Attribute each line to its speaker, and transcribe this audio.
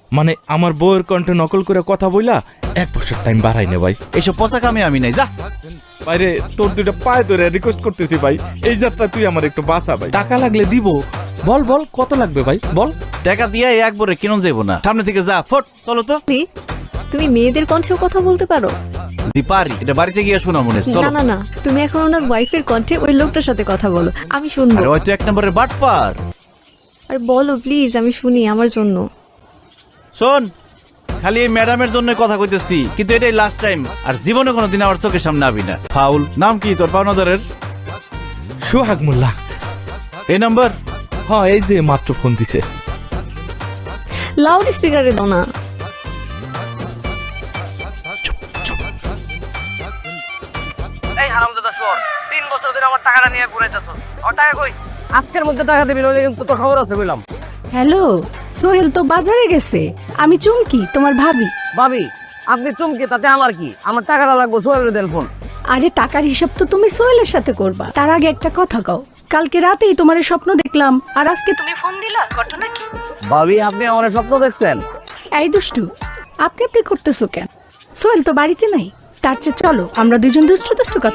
Speaker 1: মানে আমার বউয়ের কণ্ঠে নকল করে কথা বইলা 1 বছর টাইম বাড়াই নে ভাই।
Speaker 2: এইসব পচা কামে আমি নাই, যা।
Speaker 1: বাইরে তোর দুইটা পায়ে ধরে রিকোয়েস্ট করতেছি ভাই, এই যাত্রা তুই আমার একটু বাঁচা ভাই। টাকা লাগলে দিব। বল বল কত লাগবে ভাই বল।
Speaker 2: টাকা দিয়ে একবারে কিনুন যাইব না, সামনে থেকে যা, ফট চলো তো।
Speaker 3: তুমি মেয়েদের কণ্ঠেও কথা বলতে পারো?
Speaker 2: জি পারি, এটা বাড়িতে গিয়ে শোনা মনে
Speaker 3: না
Speaker 2: চলো।
Speaker 3: না না, তুমি এখন ওনার ওয়াইফের কণ্ঠে ওই লোকটার সাথে কথা বলো, আমি শুনবো।
Speaker 2: আরে হয়তো 1 নম্বরের বাটপার।
Speaker 3: আর বলো প্লিজ, আমি শুনি আমার জন্য।
Speaker 2: শোন, খালি এই ম্যাডামের জন্য কথা কইতেছি, কিন্তু এটাই লাস্ট টাইম, আর জীবনে কোনোদিন আমার চোখের সামনে আবি না। ফাউল। নাম কি তোর পাওনাদারের?
Speaker 1: সোহাগ মোল্লা।
Speaker 2: এই নাম্বার?
Speaker 1: হ্যাঁ, এই যে মাত্র ফোন দিছে।
Speaker 3: লাউড স্পিকারে দাও না।
Speaker 4: এই হারামজাদা শুয়োর, 3 বছর ধরে আমার টাকাটা নিয়ে ঘুরাইতেছ। আমার টাকা কই? আজকের মধ্যে টাকা দিবি, নইলে কিন্তু তোর খবর আছে বললাম।
Speaker 5: হ্যালো, সোহেল তো বাজারে গেছে, আমি চুমকি তোমার ভাবি।
Speaker 4: ভাবি, আপনি চমকে তাতে আমার কি? আমার টাকাটা লাগবে, সোহেলের দেন ফোন।
Speaker 5: আরে টাকার হিসাব তো তুমি সোহেলের সাথে করবা, তার আগে একটা কথা কও। কালকে রাতেই তোমার স্বপ্ন দেখলাম, আর আজকে তুমি ফোন দিলা, ঘটনা কি?
Speaker 4: ভাবি, আপনি আমার স্বপ্ন দেখছেন?
Speaker 5: এই দুষ্টু, আপনি করতেছো কেন? সোহেল তো বাড়িতে নাই, তার চেয়ে চলো আমরা দুজন দুষ্টু দুষ্টু কথা